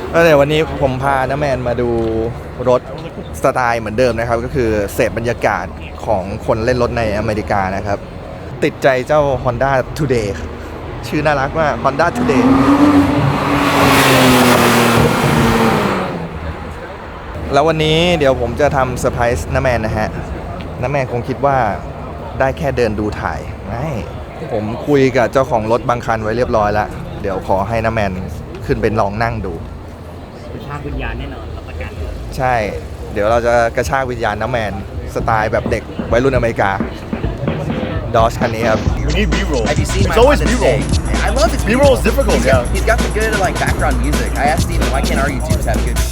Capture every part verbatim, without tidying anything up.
ก็เดี๋ยววันนี้ผมพาน้าแมนมาดูรถสไตล์เหมือนเดิมนะครับก็คือเสพบรรยากาศของคนเล่นรถในอเมริกานะครับติดใจเจ้า Honda Today ชื่อน่ารักมาก Honda Today แล้ววันนี้เดี๋ยวผมจะทำเซอร์ไพรส์น้าแมนนะฮะน้าแมนคงคิดว่าได้แค่เดินดูถ่ายไม่ผมคุยกับเจ้าของรถบางคันไว้เรียบร้อยแล้วเดี๋ยวขอให้น้าแมนขึ้นเป็นลองนั่งดูกระชากวิญญาณแน่นอนรับประกันใช่เดี๋ยวเราจะกระชากวิญญาณน้าแมนสไตล์แบบเด็กวัยรุ่นอเมริกาดอชคันนี้ครับ We need B-roll. Have you seen it's always B-roll. I love it. B-roll is difficult. He's got, he's got the good like background music. I asked Steven, why can't our YouTubers have good?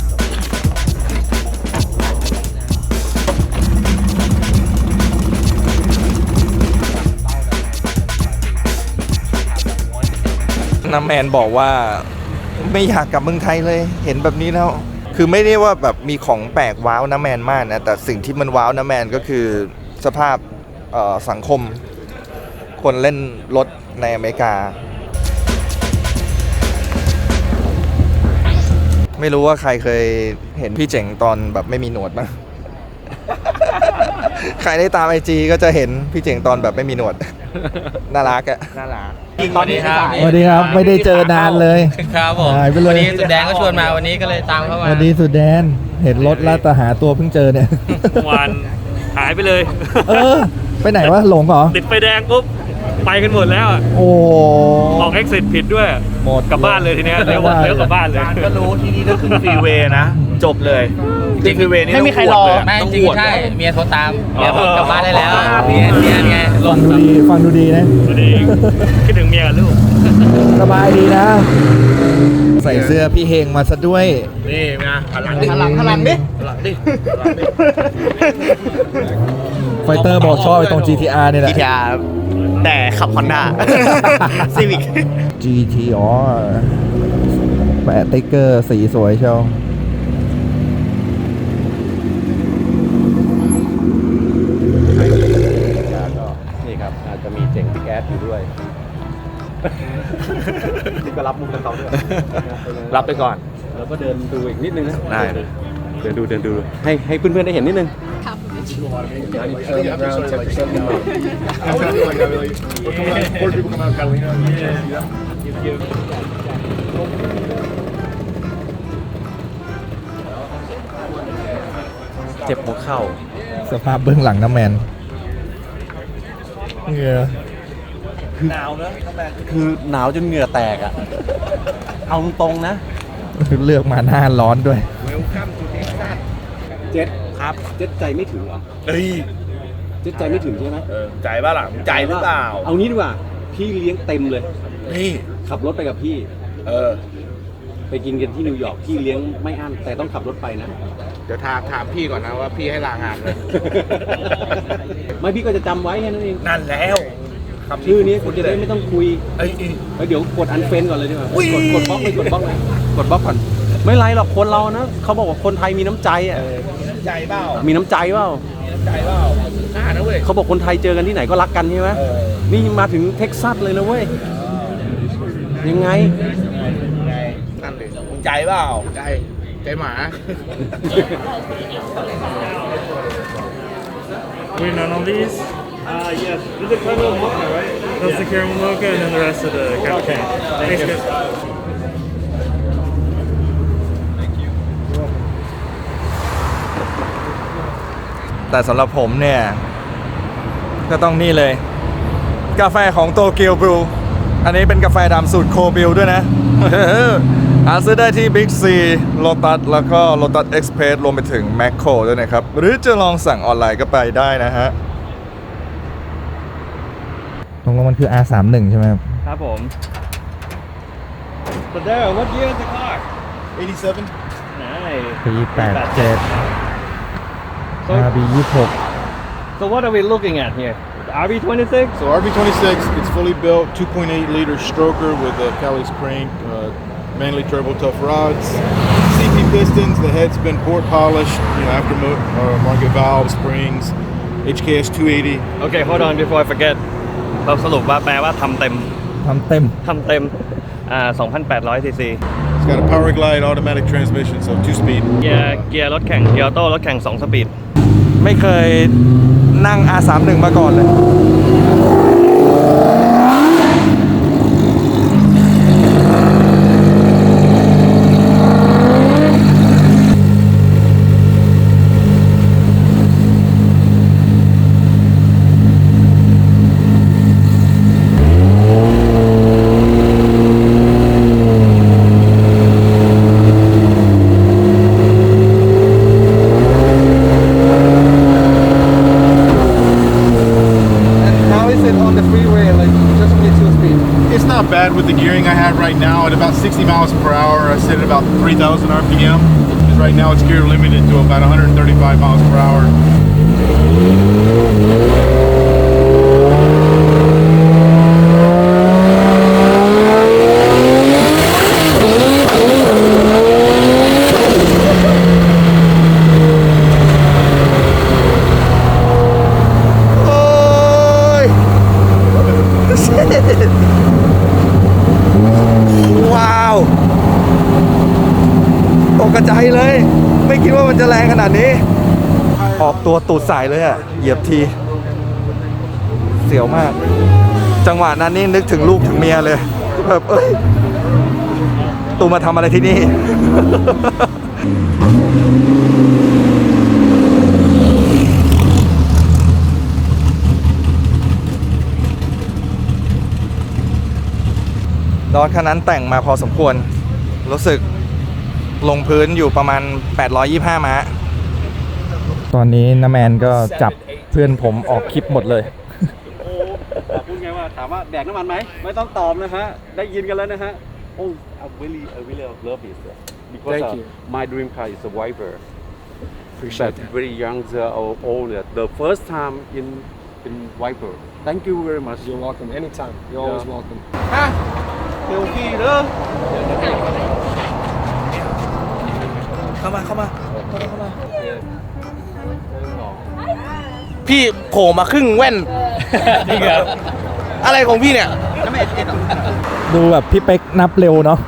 น้าแมนบอกว่าไม่อยากกลับเมืองไทยเลยเห็นแบบนี้แล้วคือไม่ได้ว่าแบบมีของแปลกว้าวน้าแมนมากนะแต่สิ่งที่มันว้าวน้าแมนก็คือสภาพสังคมคนเล่นรถในอเมริกาไม่รู้ว่าใครเคยเห็นพี่เจ๋งตอนแบบไม่มีหนวดมั้ย ใครได้ตามไอจีก็จะเห็นพี่เจ๋งตอนแบบไม่มีหนวด น่ารักอะน่ารักสวัสดีครับสวัสดีครับไม่ได้เจอนานเลยครับผมวันนี้สุดแดงก็ชวนมาวันนี้ก็เลยตามเข้ามาสวัสดีสุดแดนเห็นรถแล้วแต่หาตัวเพิ่งเจอเนี่ยวันหายไปเลยเออไปไหนวะหลงเหรอติดไฟแดงปุ๊บไปกันหมดแล้วโอ้ออกเอ็กซิสผิดด้วยหมดกลับบ้านเลยทีนี้เลี้ยวเลี้ยวกลับบ้านเลยก็รู้ที่นี่ต้องขึ้นฟรีเวย์นะจบเลยจริงฟรีเวย์นี่ไม่มีใครรอไม่จริงใช่เมียโทรตามเมียบอกกลับบ้านได้แล้วเมียเมียไงฟังดูดีฟังดูดีนะดูดีคิดถึงเมียกับลูกสบายดีนะใส่เสื้อพี่เฮงมาซะด้วยนี่นะหันหลังดิหันหลังหันหลังดิหันหลังดิไฟเตอร์บอกชอบไปตรง จี ที อาร์ เนี่ยแหละจี ที อาร์ แต่ขับ Honda Civic จี ที อ๋อแปะติ๊กเกอร์สีสวยเชียวนี่ครับอาจจะมีเจ๋งแก๊สอยู่ด้วยที่ก็รับมุกกับเขาด้วยรับไปก่อนแล้วก็เดินดูอีกนิดนึงนะได้เดินดูเดินดูให้ให้เพื่อนๆได้เห็นนิดนึงเจ็บหัวเข่าสภาพเบื้องหลังน้ำแมนเหงื่อหนาวนะคือหนาวจนเหงื่อแตกอ่ะเอาตรงๆนะเลือกมาหน้าร้อนด้วยเจ็ดครับเจ็ดใจไม่ถึงเหรอเฮ้ยเจ็ดใจไม่ถึงใช่ไหมเออใจป่ะล่ะใจหรือเปล่าเอางี้ดีกว่าพี่เลี้ยงเต็มเลยนี่ขับรถไปกับพี่เออไปกินกันที่นิวยอร์กพี่เลี้ยงไม่อั้นแต่ต้องขับรถไปนะเดี๋ยวถามถามพี่ก่อนนะว่าพี่ให้ลางานเลยไม่พี่ก็จะจำไว้แค่นั้นเองนั่นแล้วชื่อนี้คุณจะได้ไม่ต้องคุยเอ้ยเดี๋ยวกดอันเฟนก่อนเลยดีกว่ากดกดบล็อกเลยกดบล็อกเลยกดบล็อกก่อนไม่ไรหรอกคนเรานะเขาบอกว่าคนไทยมีน้ำใจอ่ะมีน้ำใจเปล่ามีน้ำใจเปล่ามีน้ำใจเปล่าน่านะเว้ยเขาบอกคนไทยเจอกันที่ไหนก็รักกันใช่ไหมนี่มาถึงเท็กซัสเลยนะเว้ยยังไงนั่นเลยมึงใจเปล่าใจใจหมา Wait on all these Uh, yes, this is the caramel mocha, right? That's the caramel mocha, and then the rest of the caramel. Thanks, guys. Thank you. แต่สำหรับผมเนี่ยก็ต้องนี่เลยกาแฟของโตเกียวบรูอันนี้เป็นกาแฟดำสูตรโคบิลด้วยนะ หาซื้อได้ที่ Big C Lotus แล้วก็ Lotus Express รวมไปถึง Macro ด้วยนะครับหรือจะลองสั่งออนไลน์ก็ไปได้นะฮะตรงนั้นมันคือ อาร์ สามสิบเอ็ด ใช่ไหมครับครับผม But there what year is the car eighty-seven Nice ปีแปดเจ็ด อาร์ บี ยี่สิบหก So what are we looking at hereอาร์ บี twenty-six Soอาร์ บี twenty-six it's fully built two point eight liter stroker with a Cali Spring uh, Manly turbo tough rods C P pistons the head's been port polished you know after uh, market valve springs H K S two eighty Okay hold on before I forgetเราสรุปว่าแปลว่าทำเต็มทำเต็มทำเต็มอ่า สองพันแปดร้อย ซีซี It's got a power glide automatic transmission, so two speed. เกียร์เกียร์รถแข่งเกียร์ออโต้รถแข่งสองสปีดไม่เคยนั่ง อาร์ สามสิบเอ็ด มาก่อนเลย It's not bad with the gearing I have right now. At about sixty miles per hour, I set at about three thousand R P M. Because right now it's gear limited to about one hundred thirty-five miles per hour. Shit. ว้าวตกกระจายเลย ไม่คิดว่ามันจะแรงขนาดนี้ ออกตัวตูดสายเลยอะเหยียบที เสียวมาก จังหวะนั้นนี่นึกถึงลูกถึงเมียเลยแบบเอ้ย ตูมาทำอะไรที่นี่ รถคันนั้นแต่งมาพอสมควร รู้สึกลงพื้นอยู่ประมาณแปดร้อยยี่สิบห้าม้า ตอนนี้น้าแมนก็จับเพื่อนผมออกคลิปหมดเลยพูดไงว่าถามว่าแดกน้ำมันไหมไม่ต้องตอบนะฮะได้ยินกันแล้วนะฮะ Oh I really I really love it because Thank uh, you. my dream car is a Viper but very young or old the first time in in Viper thank you very much You're welcome. Anytime. You're Yeah. always welcome. เดี๋ยวพี่เด้อเข้ามาเข้ามาเข้ามาเข้ามาพี่โผล่มาครึ่งแว่นอะไรของพี่เนี่ยดูแบบพี่เป๊กนับเร็วเนาะ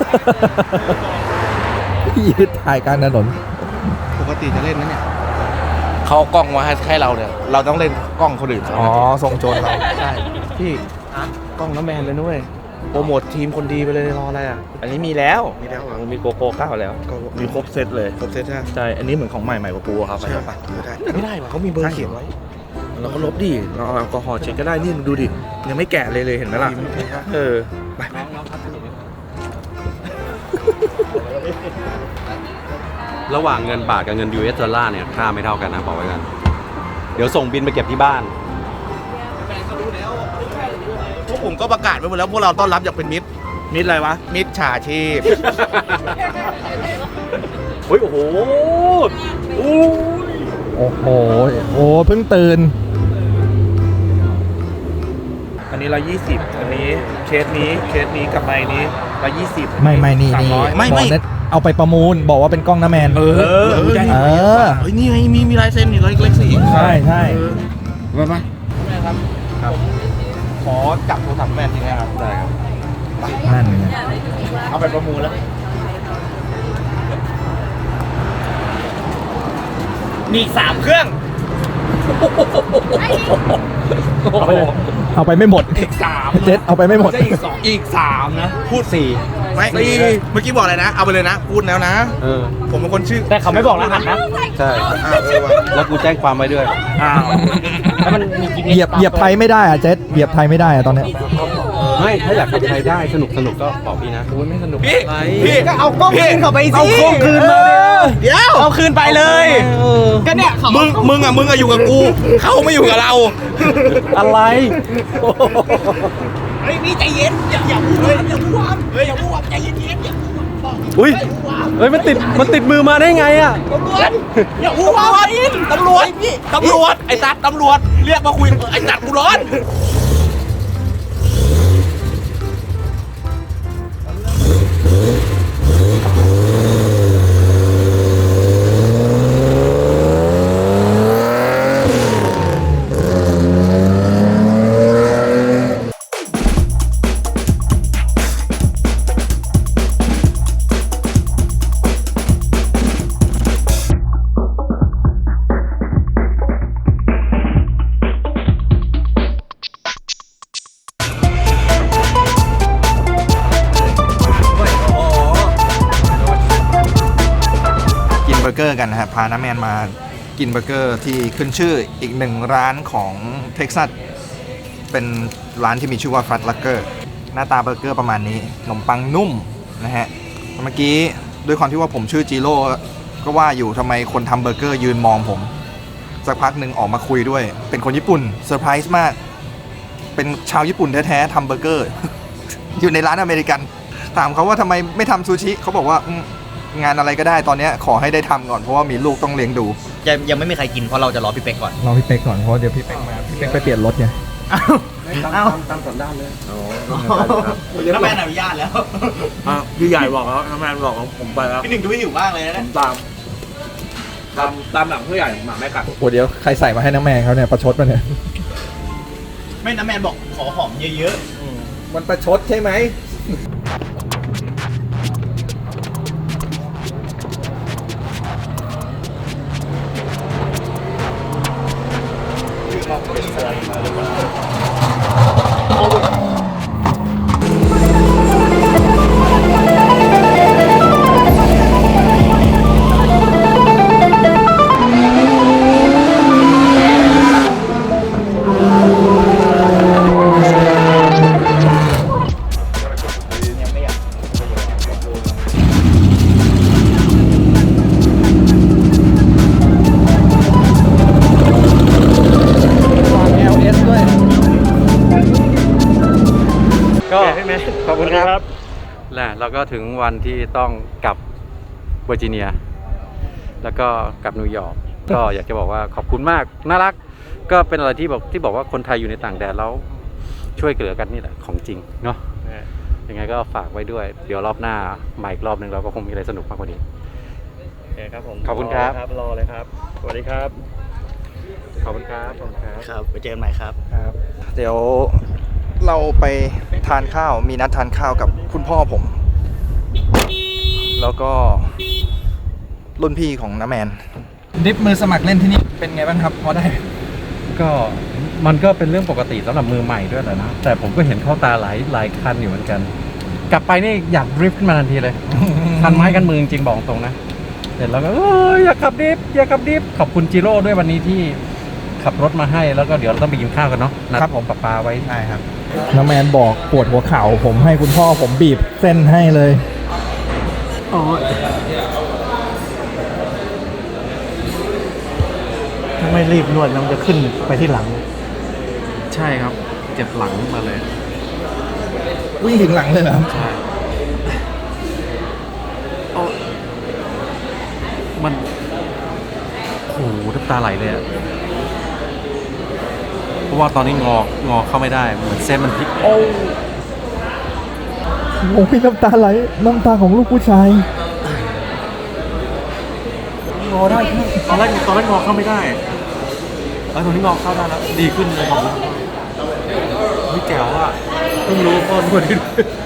ยืดถ่ายกลางถนนปกติจะเล่นนะเนี่ยเขาเอากล้องมาให้ให้เราเนี่ยเราต้องเล่นกล้องคนอื่นอ๋อทรงโจรเราใช่พี่กล้องน้ำแมนเลยนุ้ยโปรโมททีมคนดีไปเลยรออะไรอ่ะอันนี้มีแล้วมีแล้วมีโกโก้เก้าแล้วมีครบเซตเลยครบเซตใช่ใช่อันนี้เหมือนของใหม่ใหม่กว่าปูครับใช่ปะไม่ได้ว่ะเขามีเบอร์เขียนไว้เราก็ลบดิเราเอาแอลกอฮอล์เช็คก็ได้นี่ดูดิยังไม่แกะเลยเลยเห็นไหมล่ะเออไประหว่างเงินบาทกับเงิน ยู เอส ดอลลาร์เนี่ยค่าไม่เท่ากันนะบอกไว้กันเดี๋ยวส่งบินไปเก็บที่บ้านพวกผมก็ประกาศไว้หมดแล้วพวกเราต้อนรับอย่างเป็นมิตรมิตรอะไรวะมิตรฉาชีพเฮ้ยโอ้โหอู้โอ้โห โอ้เพิ่งตื่นอันนี้ร้อยยี่สิบอันนี้เคสนี้เคสนี้กับไมค์นี้ร้อยยี่สิบไม่ไม่นี่สามนี่ร้อยไม่ไม่บอกนะเอาไปประมูลบอกว่าเป็นกล้องน้าแมนเออเออเออเฮ้ยนี่ไงมีมีลายเซ็นนี่ร้อยเล็กสี่ใช่ใช่มาปะครับครับขอจับโทรศัพท์แม่ทีนะครับได้ครับนั่นไงเอาไปประมูลแล้วนี่สามเครื่องเอาไปเอาไปไม่หมดอีกสามเจ็ดเอาไปไม่หมดจะอีกสองอีกสามนะ พูดสี่ไม่สี่เมื่อกี้บอกอะไรนะ เอาไปเลยนะ พูดแล้วนะเออผมเป็นคนชื่อแต่เขาไม่บอกรหัสนะใช่อ้าวเออว่ะแล้วกูแจ้งความไว้ด้วยอ้าวแล้วมันมีเหยียบเหยียบไทยไม่ได้อะเจ็ดเหยียบไทยไม่ได้อะตอนเนี้ยไม่ถ้าอยากขับไทยได้สนุกสนุกก็บอกพี่นะไม่สนุกพี่พี่ก็เอากล้องคืนเขาไปสิเอากล้องคืนมาเดี๋ยวเอาคืนไปเลยก็เนี่ยเขามึงมึงอ่ะมึงอ่ะอยู่กับกูเขาไม่อยู่กับเราอะไรเฮ้ยนี่ใจเย็นอย่าอย่าพูดเลยอย่าพูดว่าเฮ้ยอย่าพูดว่าใจเย็นๆอย่าพูดว่าอุ้ยเฮ้ยมันติดมันติดมือมาได้ไงอ่ะตำรวจอย่าพูดว่าตำรวจตำรวจไอ้สัตว์ตำรวจเรียกมาคุยไอ้สัตว์กูร้อนเกอร์กันนะฮะพาน้าแมนมากินเบอร์เกอร์ที่ขึ้นชื่ออีกหนึ่งร้านของเท็กซัสเป็นร้านที่มีชื่อว่าฟัตลักเกอร์หน้าตาเบอร์เกอร์ประมาณนี้ขนมปังนุ่มนะฮะเมื่อกี้ด้วยความที่ว่าผมชื่อจิโร่ก็ว่าอยู่ทำไมคนทำเบอร์เกอร์ยืนมองผมสักพักหนึ่งออกมาคุยด้วยเป็นคนญี่ปุ่นเซอร์ไพรส์มากเป็นชาวญี่ปุ่นแท้ๆทำเบอร์เกอร์ อยู่ในร้านอเมริกันถามเขาว่าทำไมไม่ทำซูชิเขาบอกว่างานอะไรก็ได้ตอนนี้ขอให้ได้ทำก่อนเพราะว่ามีลูกต้องเลี้ยงดูยังยังไม่มีใครกินเพราะเราจะรอพี่เป็กก่อนรอพี่เป๊กก่อนเพราะเดี๋ยวพี่เป๊กมาพี่เป๊กไปเปลี่ยนรถไงตามตามสันดานเลยน้ำแมนอนุญาตแล้วอ่ะพี่ใหญ่บอกแล้วน้าแมนบอกว่าผมไปแล้วพี่หนึ่งดูหิวมากเลยผนะมตามตามตามหลังผู้ใหญ่หมาแม่กัดโอ้เดี๋ยวใครใส่มาให้น้ำแมงเขาเนี่ยประชดมาเนี่ยไม่น้ำแมนบอกขอหอมเยอะมันประชดใช่ไหมก็ขอบคุณครับและเราก็ถึงวันที่ต้องกลับเวอร์จิเนีย แล้วก็กลับนิวยอร์ก ก็อยากจะบอกว่าขอบคุณมากน่ารักก็เป็นอะไรที่บอกที่บอกว่าคนไทยอยู่ในต่างแดนแล้วช่วยเหลือกันนี่แหละของจริงเนาะยังไงก็ฝากไว้ด้วยเดี๋ยวรอบหน้ามาอีกรอบหนึ่งเราก็คงมีอะไรสนุกมากกว่านี้โอเคครับผมขอบคุณครับรอเลยครับสวัสดีครับขอบคุณครับขอบคุณครับๆครับไปเจอกันใหม่ครับเดี๋ยวเราไปทานข้าวมีนัดทานข้าวกับคุณพ่อผม แล้วก็รุ่นพี่ของน้าแมนดิฟมือสมัครเล่นที่นี่เป็นไงบ้างครับพอได้ก็มันก็เป็นเรื่องปกติสำหรับมือใหม่ด้วยแหละนะแต่ผมก็เห็นเข้าตาหลายหลายคันอยู่เหมือนกัน กลับไปนี่อยากดริฟต์ขึ้นมาทันทีเลย คันไม้กันมือจริงๆบอกตรงนะเสร็จแล้วก็เอ้ยอยากขับดริฟต์อยากขับดริฟต์ขอบคุณจิโร่ด้วยวันนี้ที่ขับรถมาให้แล้วก็เดี๋ยวเราต้องไปกินข้าวกันเนาะนัดครับผมปะปาไว้ใช่ครับน้ำแมนบอกปวดหัวเข่าผมให้คุณพ่อผมบีบเส้นให้เลยถ้าไม่รีบนวดมันจะขึ้นไปที่หลังใช่ครับเจ็บหลังมาเลยวิ่งถึงหลังเลยเหรอครับใช่มันโอ้โหน้ำตาไหลเลยอะเพราะว่าตอนนี้งองอเข้าไม่ได้เหมือนเส้นมันพลิกโอ้โอ้ยน้ำตาไหลน้ำตาของลูกผู้ชายงอได้ตอนแรกตอนแรกงอเข้าไม่ได้แล้วตอนนี้งอเข้าได้แล้วดีขึ้นเลยของเฮ้ยแจ๋วอ่ะเพิ่งรู้พ่อนวดด้วย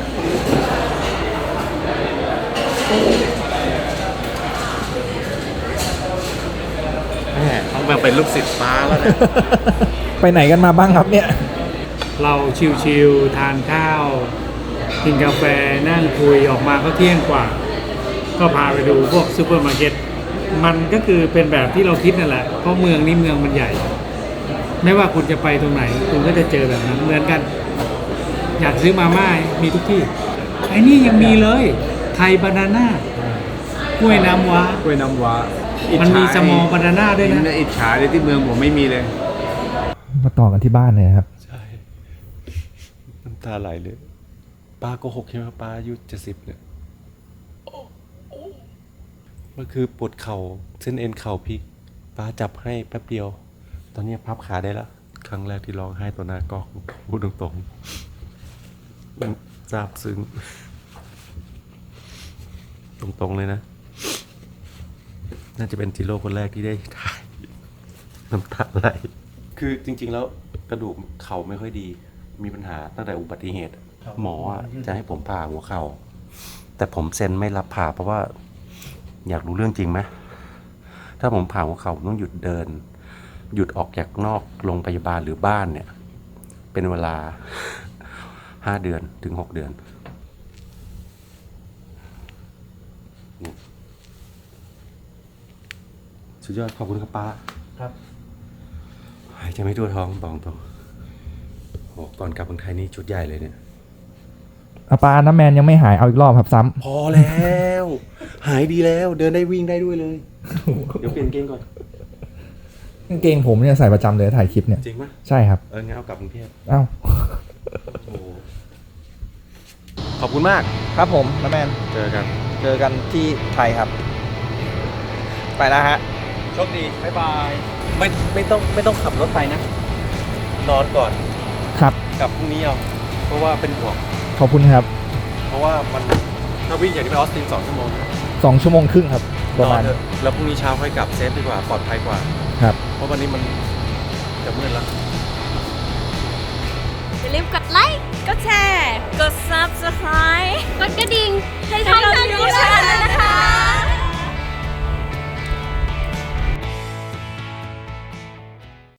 แม่ต้องแบบเป็นลูกศิษย์ฟ้าแล้วเนี่ยไปไหนกันมาบ้างครับเนี่ยเราชิวๆทานข้าว กินกาแฟนั่งคุยออกมาก็เที่ยงกว่า ก็พาไปดูพวกซูเปอร์มาร์เก็ตมันก็คือเป็นแบบที่เราคิดนั่นแหละเพราะเมืองนี้เมืองมันใหญ่ ไม่ว่าคุณจะไปตรงไหน คุณก็จะเจอแบบนั้นเหมือนกัน อยากซื้อมาม่ามีทุกที่ไอ้นี่ยังมีเลยไทยบานาน่ากล้วยน้ำว้ากล้วยน้ำว้ามันมีสมอบานาน่าด้วยนะอิจฉาเลยที่เมืองผมไม่มีเลยมาต่อกันที่บ้านเลยครับใช่ น้ำตาไหลเลย ป้าโกหกใช่ไหมป้าอายุเจ็ดสิบเนี่ยมันคือปวดเข่าเส้นเอ็นเข่าพลิก ป้าจับให้แป๊บเดียว ตอนนี้พับขาได้แล้ว ครั้งแรกที่ร้องไห้ต่อหน้ากล้องพูดตรงๆมันซาบซึ้ง ตรงๆเลยนะ น่าจะเป็นจิโร่คนแรกที่ได้ถ่าย น้ำตาไหล คือจริงๆแล้วกระดูกเข่าไม่ค่อยดี มีปัญหาตั้งแต่อุบัติเหตุ หมออะจะให้ผมผ่าหัวเข่า แต่ผมเซ็นไม่รับผ่าเพราะว่า อยากรู้เรื่องจริงไหม ถ้าผมผ่าหัวเข่าผมต้องหยุดเดิน หยุดออกจากนอกโรงพยาบาลหรือบ้านเนี่ย เป็นเวลาห้าเดือนถึงหกเดือน นสุดยอดขอบคุณครับป้าครับหายใจไม่ทั่วท้องบอกตรงโอ้ก่อนกลับเมืองไทยนี่ชุดใหญ่เลยเนี่ยอาปาน้ำแมนยังไม่หายเอาอีกรอบครับซ้ำพอแล้ว หายดีแล้วเดินได้วิ่งได้ด้วยเลย เดี๋ยวเปลี่ยนเกงก่อนกางเกงผมเนี่ยใส่ประจำเลยถ่ายคลิปเนี่ยจริงปะใช่ครับเอองั้นเอากลับกรุงเทพเอ้าโอ้ขอบคุณมากครับผมน้าแมนเจอกันเจอกันที่ไทยครับ ไปแล้วฮะโชคดี บ๊ายบายไม่ไม่ต้องไม่ต้องขับรถไปนะ นอนก่อนครับกลับพรุ่งนี้เอาเพราะว่าเป็นห่วงขอบคุณครับเพราะว่ามันถ้าวิ่งอย่างที่ไปออสตินสองชั่วโมงนะสองชั่วโมงครึ่งครับ ประมาณนอนเถอะแล้วพรุ่งนี้เช้าค่อยกลับเซฟดีกว่าปลอดภัยกว่าครับเพราะวันนี้มันจะมืดแล้วอย่าลืมกดไลค์ กดแชร์ กด ซับสไครบ์ กดกระดิ่ง